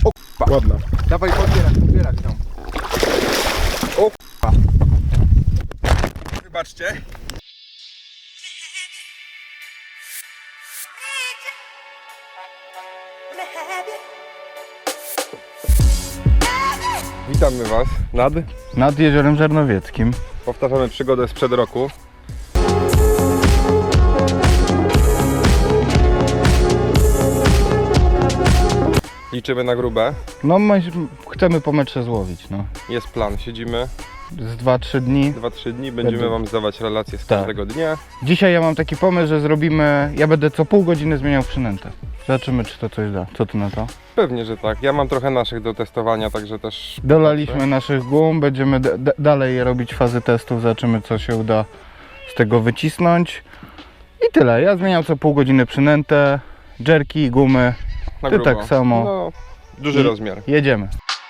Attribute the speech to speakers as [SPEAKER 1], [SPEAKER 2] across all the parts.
[SPEAKER 1] O k***a.
[SPEAKER 2] Ładna.
[SPEAKER 1] Dawaj, podbierać ją. O k***a. Wybaczcie. Witamy Was
[SPEAKER 2] Nad Jeziorem Żarnowieckim.
[SPEAKER 1] Powtarzamy przygodę sprzed roku. Liczymy na grube.
[SPEAKER 2] No my chcemy po metrze złowić, no.
[SPEAKER 1] Jest plan, siedzimy
[SPEAKER 2] Z 2-3 dni.
[SPEAKER 1] 2-3 dni, będziemy
[SPEAKER 2] Będę-
[SPEAKER 1] Wam zdawać relacje z
[SPEAKER 2] Tak.
[SPEAKER 1] każdego dnia.
[SPEAKER 2] Dzisiaj ja mam taki pomysł, że zrobimy... Ja będę co pół godziny zmieniał przynętę. Zobaczymy, czy to coś da. Co ty na to?
[SPEAKER 1] Pewnie, że tak. Ja mam trochę naszych do testowania, także też...
[SPEAKER 2] Dolaliśmy naszych gum, będziemy dalej robić fazy testów, zobaczymy, co się uda z tego wycisnąć. I tyle. Ja zmieniam co pół godziny przynętę, jerki, gumy.
[SPEAKER 1] Na
[SPEAKER 2] Ty
[SPEAKER 1] grubo.
[SPEAKER 2] tak samo.
[SPEAKER 1] No, duży rozmiar.
[SPEAKER 2] Jedziemy.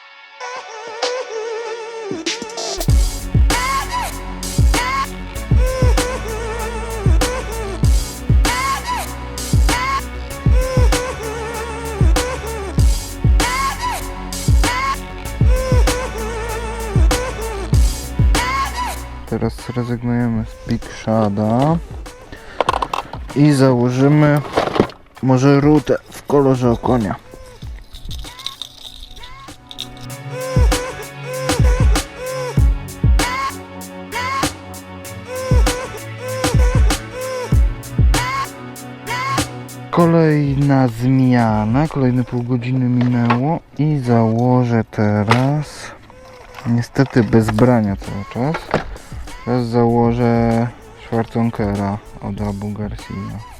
[SPEAKER 2] Teraz zrezygnujemy z Big Shada i założymy może rutę w kolorze okonia. Kolejna zmiana, kolejne pół godziny minęło i założę teraz, niestety bez brania cały czas, teraz założę Schwarzenkera od Abu Garcia.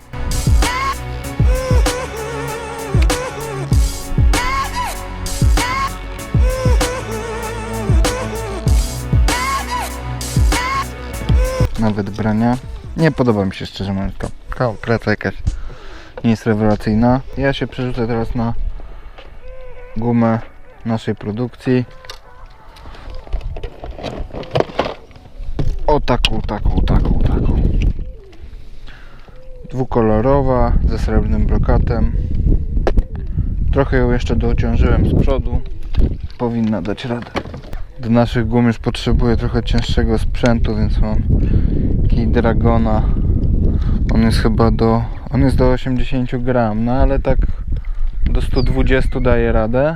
[SPEAKER 2] Nawet brania. Nie podoba mi się, szczerze mówiąc, to praca jakaś nie jest rewelacyjna. Ja się przerzucę teraz na gumę naszej produkcji. O taką. Dwukolorowa, ze srebrnym brokatem. Trochę ją jeszcze dociążyłem z przodu. Powinna dać radę. Do naszych gum już potrzebuję trochę cięższego sprzętu, więc mam taki Dragona. On jest chyba do 80 gram, no ale tak do 120 daje radę.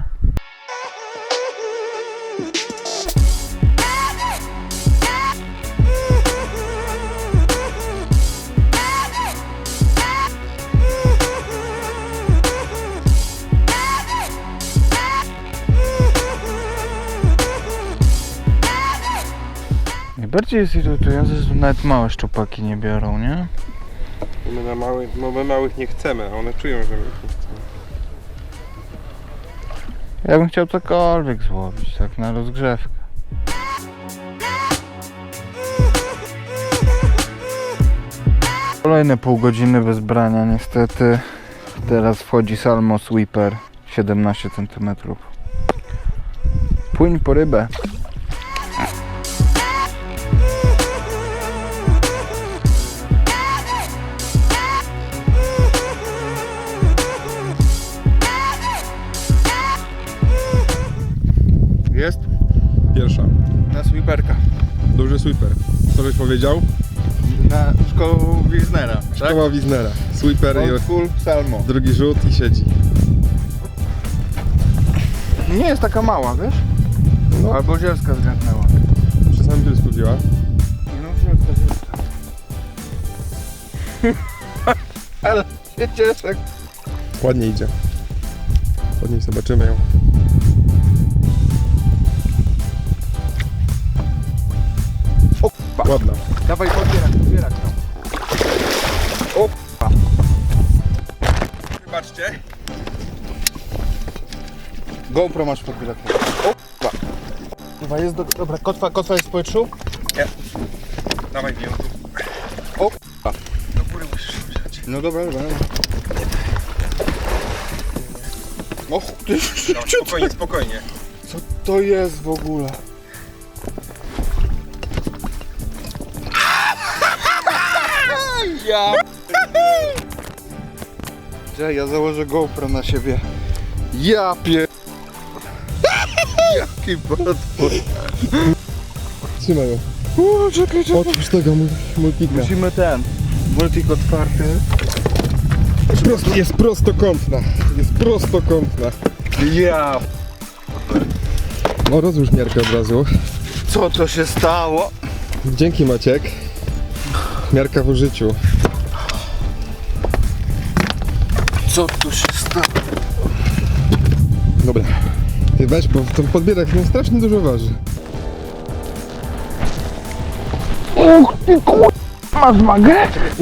[SPEAKER 2] Najbardziej jest irytujące, że nawet małe szczupaki nie biorą, nie?
[SPEAKER 1] My małych nie chcemy, a one czują, że my ich nie chcemy.
[SPEAKER 2] Ja bym chciał cokolwiek złowić, tak na rozgrzewkę. Kolejne pół godziny bez brania niestety. Teraz wchodzi Salmo Sweeper 17 cm. Płyń po rybę.
[SPEAKER 1] Jest? Pierwsza.
[SPEAKER 2] Na sweeperka.
[SPEAKER 1] Duży sweeper. Co byś powiedział?
[SPEAKER 2] Na szkołę Wiesnera.
[SPEAKER 1] Szkoła Wiesnera. Sweeper i
[SPEAKER 2] Full Salmo.
[SPEAKER 1] drugi rzut i siedzi.
[SPEAKER 2] Nie jest taka mała, wiesz?
[SPEAKER 1] No.
[SPEAKER 2] Albo zielska zgętnęła.
[SPEAKER 1] Przy samym bielsku wzięła.
[SPEAKER 2] No zielska. Ale się cieszę.
[SPEAKER 1] Ładnie idzie. Ładnie zobaczymy ją.
[SPEAKER 2] O k***a.
[SPEAKER 1] Ładna.
[SPEAKER 2] Dawaj podbierać ją. O k***a.
[SPEAKER 1] Wybaczcie.
[SPEAKER 2] GoPro masz podbierać. O k***a. Chyba jest dobra, kotwa jest w powietrzu?
[SPEAKER 1] Nie. Dawaj ją tu.
[SPEAKER 2] O k***a.
[SPEAKER 1] Do góry musisz wziąć.
[SPEAKER 2] No dobra. O ty
[SPEAKER 1] Spokojnie, spokojnie.
[SPEAKER 2] co to jest w ogóle? Ja założę GoPro na siebie. Ja pier... Jaki potwór.
[SPEAKER 1] Trzymaj ją.
[SPEAKER 2] Czekaj.
[SPEAKER 1] Otwórz tego multika.
[SPEAKER 2] Musimy ten multik otwarty.
[SPEAKER 1] Jest prostokątna. Jest prostokątna.
[SPEAKER 2] Ja.
[SPEAKER 1] No rozłóż miarkę od razu.
[SPEAKER 2] Co to się stało?
[SPEAKER 1] Dzięki Maciek. Miarka w użyciu.
[SPEAKER 2] Co tu się stało?
[SPEAKER 1] Dobra. Ty weź, bo ten podbierak no strasznie dużo waży.
[SPEAKER 2] Masz wagę?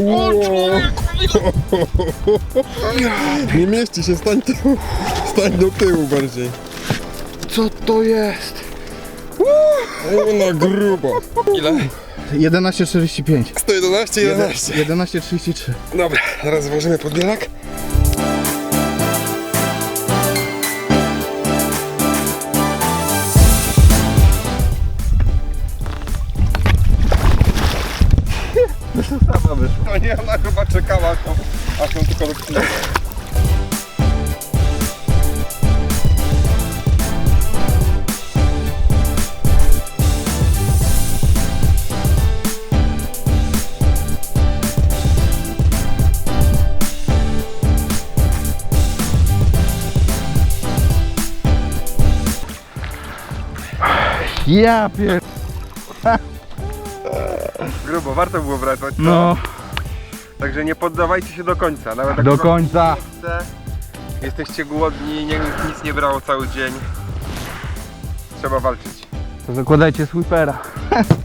[SPEAKER 1] Nie mieści się, stań do tyłu bardziej.
[SPEAKER 2] Co to jest?
[SPEAKER 1] Na grubo. Ile?
[SPEAKER 2] 11,45.
[SPEAKER 1] 111, 11.
[SPEAKER 2] 11,33.
[SPEAKER 1] Dobra, teraz złożymy podbierak.
[SPEAKER 2] Sama wyszła.
[SPEAKER 1] No nie, ona chyba czekała, aż ją tylko rozpinała.
[SPEAKER 2] Ja pier...
[SPEAKER 1] Grubo, warto było wracać.
[SPEAKER 2] No,
[SPEAKER 1] Także nie poddawajcie się do końca. Nawet jak
[SPEAKER 2] do
[SPEAKER 1] wam
[SPEAKER 2] końca.
[SPEAKER 1] nie chce, jesteście głodni, nic nie brało cały dzień. Trzeba walczyć.
[SPEAKER 2] To zakładajcie sweepera.